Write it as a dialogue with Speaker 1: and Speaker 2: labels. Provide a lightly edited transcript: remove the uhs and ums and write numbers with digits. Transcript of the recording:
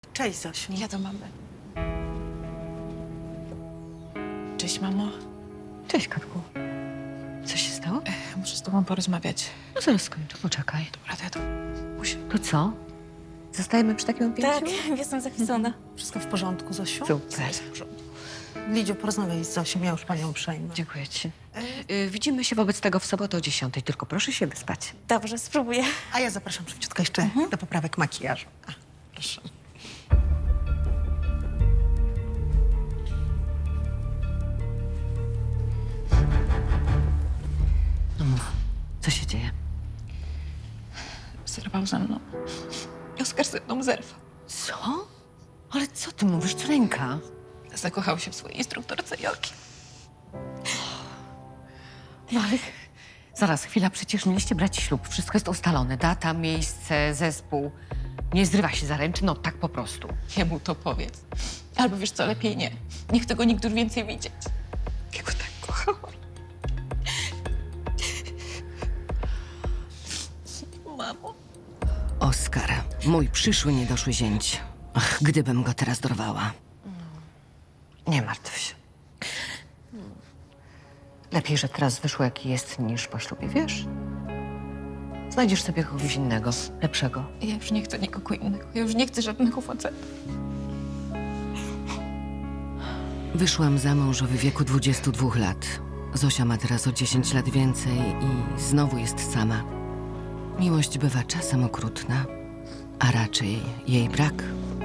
Speaker 1: Cześć, Zosiu.
Speaker 2: Ja do mamy. Cześć, mamo.
Speaker 3: Cześć, Katku. Co się stało?
Speaker 2: Muszę z tobą porozmawiać.
Speaker 3: No zaraz skończę, poczekaj.
Speaker 2: Dobra, to ja to... Muszę.
Speaker 3: To co? Zostajemy przy takim opięciu?
Speaker 4: Tak, jestem zapisana.
Speaker 1: Wszystko w porządku, Zosiu?
Speaker 3: Super.
Speaker 2: Jest w porządku.
Speaker 1: Lidziu, porozmawiaj z Zosią, ja już panią uprzejmę.
Speaker 3: Dziękuję ci. Widzimy się wobec tego w sobotę o 10, tylko proszę się wyspać.
Speaker 4: Dobrze, spróbuję.
Speaker 1: A ja zapraszam szybciutko jeszcze do poprawek makijażu. A, proszę.
Speaker 3: No mów, co się dzieje?
Speaker 2: Zerwał ze mną. Oskar ze mną zerwał.
Speaker 3: Co? Ale co ty mówisz, to ręka?
Speaker 2: Zakochał się w swojej instruktorce jogi.
Speaker 3: No ale... Zaraz, chwila, przecież mieliście brać ślub. Wszystko jest ustalone. Data, miejsce, zespół. Nie zrywa się zaręczyn, no tak po prostu.
Speaker 2: Jemu to powiedz. Albo wiesz co, lepiej nie. Nie chcę go nigdy już więcej widzieć. Ja go tak kochałam. Mamo.
Speaker 5: Oskar, mój przyszły niedoszły zięć. Ach, gdybym go teraz dorwała.
Speaker 3: Nie martw się. Lepiej, że teraz wyszło jaki jest, niż po ślubie, wiesz? Znajdziesz sobie kogoś innego, lepszego.
Speaker 2: Ja już nie chcę nikogo innego. Ja już nie chcę żadnego faceta.
Speaker 5: Wyszłam za mąż w wieku 22 lat. Zosia ma teraz o 10 lat więcej i znowu jest sama. Miłość bywa czasem okrutna, a raczej jej brak.